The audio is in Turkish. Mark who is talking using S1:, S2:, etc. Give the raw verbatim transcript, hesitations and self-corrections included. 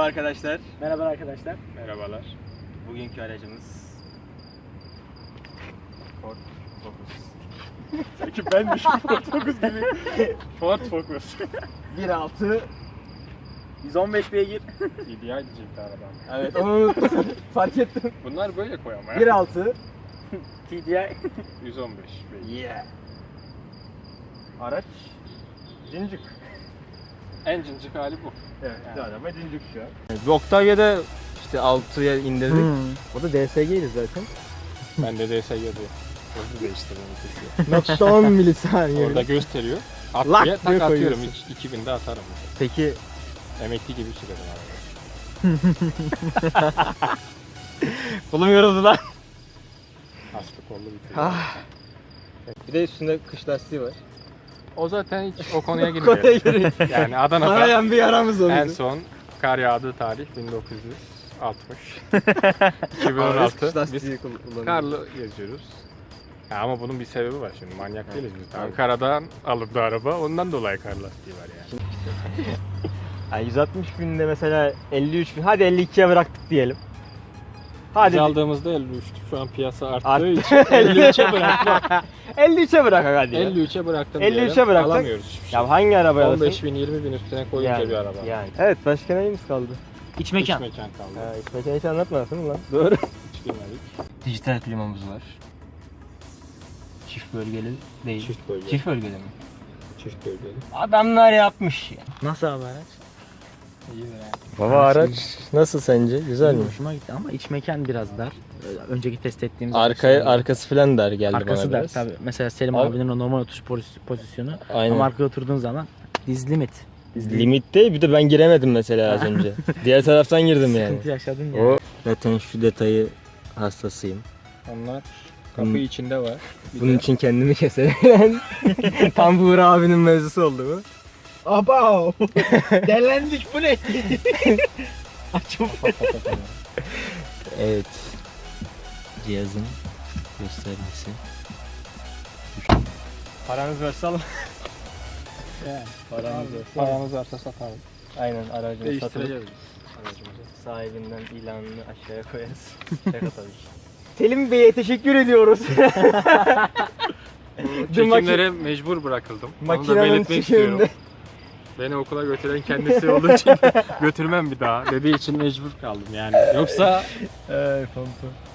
S1: Merhaba arkadaşlar.
S2: Merhaba arkadaşlar.
S3: Merhabalar.
S1: Bugünkü aracımız Ford Focus.
S3: Sanki ben düşün Ford Focus gibi. Ford Focus.
S1: bir nokta altı
S2: yüz on beş beygir.
S3: T D I diyecekti aradan.
S1: Evet onu unuttum. Fark ettim.
S3: Bunlar böyle koy ama ya.
S1: bir nokta altı
S2: T D I.
S3: yüz on beş.
S1: Yeah.
S3: Araç cincik. En cincik hali bu.
S1: Evet,
S3: Yani.
S1: araba cincik şu an.
S4: Bir Octavia'da işte altıya indirdik.
S2: Hmm.
S4: O da D S G'ydi zaten.
S3: Ben de D S G'de hızlı değiştirdim vitesi.
S4: Nokta on milisaniye.
S3: Orada gösteriyor. At
S4: Lak
S3: diye
S4: diye
S3: tak atıyorum.
S4: koyuyorsun.
S3: Hiç iki binde atarım.
S4: Peki
S3: Emekli gibi sürerim arabayı.
S4: kolum yoruldu lan.
S3: Aslı kollu bir
S4: Ah. Bir de üstünde kış lastiği var.
S3: O zaten hiç o konuya
S4: Konuya
S3: girmiyor.
S4: giriyor.
S3: Yani Adana'da
S4: Arayan bir yaramız oldu.
S3: en son kar yağdığı tarih bin dokuz yüz altmış. iki bin on altı.
S4: Kış
S3: Biz
S4: lastiği kullanıyoruz.
S3: karlı geziyoruz. Ya ama bunun bir sebebi var şimdi. Manyak
S4: Evet,
S3: değiliz biz.
S4: tabii.
S3: Ankara'dan alındı araba. Ondan dolayı kar lastiği var yani.
S4: Yani yüz altmış binde mesela elli üç bin, hadi elli ikiye bıraktık diyelim. Hadi
S3: Biz aldığımızda elli üçtü. Şu an piyasa arttığı
S4: Arttı.
S3: için elli üçe bıraktık.
S4: elli üçe bırak hadi ya.
S3: elli üçe bıraktım
S4: elli
S3: diyelim.
S4: üçe bıraktık.
S3: Alamıyoruz hiçbir şey.
S4: Ya hangi arabaya
S3: on
S4: alırsın?
S3: beş bin yirmi bin üstüne koyunca
S4: Yani,
S3: bir araba.
S4: yani. Evet, başka neyimiz kaldı?
S2: İç
S3: İç
S2: mekan.
S3: mekan kaldı.
S4: Ha, iç mekanı hiç anlatmadın mı lan? Doğru.
S3: Hiç girmedik.
S4: Dijital klimamız var. Çift bölgeli değil.
S3: Çift bölge.
S4: Çift bölgeli mi?
S3: Çift bölgeli.
S4: Adamlar yapmış ya.
S2: Nasıl abi araç?
S3: İyi de yani.
S4: Baba araç nasıl sence? Güzel mi?
S2: Hoşuma gitti ama iç mekan biraz dar. Ee, Önceki test ettiğimiz
S4: Arkaya,
S2: araçlarda-
S4: arkası falan dar geldi
S2: Arkası
S4: bana
S2: dar
S4: biraz.
S2: tabii. Mesela Selim
S4: Abi-
S2: abinin o normal oturuş poz- pozisyonu.
S4: Aynen.
S2: Ama arkaya oturduğun zaman diz limit. Diz
S4: Limit değil, bir de ben giremedim mesela az önce. Diğer taraftan girdim yani.
S2: Sıkıntı yaşadın ya.
S4: O zaten şu detayı hastasıyım.
S3: Onlar kapı
S4: Bunun-
S3: içinde var. Bir
S4: Bunun
S3: de
S4: için kendimi keserim. Tam bu Uğur abinin mevzusu oldu bu.
S2: Abav! Delendik bu ne? Açım.
S4: Evet. Cihazın göstergesi. Paranız varsa alın. Paranız varsa.
S3: paramız varsa satalım.
S4: Aynen, aracını satılıp
S3: Değiştireceğiz biz aracımızı.
S4: sahibinden ilanını aşağıya koyarız. Şaka tabii ki. Selim Bey'e teşekkür ediyoruz.
S3: Çekimlere mecbur bırakıldım. Onu da
S4: Makinenin
S3: belirtmek istiyorum.
S4: çekiminde.
S3: Beni okula götüren kendisi olduğu için götürmem bir daha dediği için mecbur kaldım yani. Yoksa
S4: Ay pampa.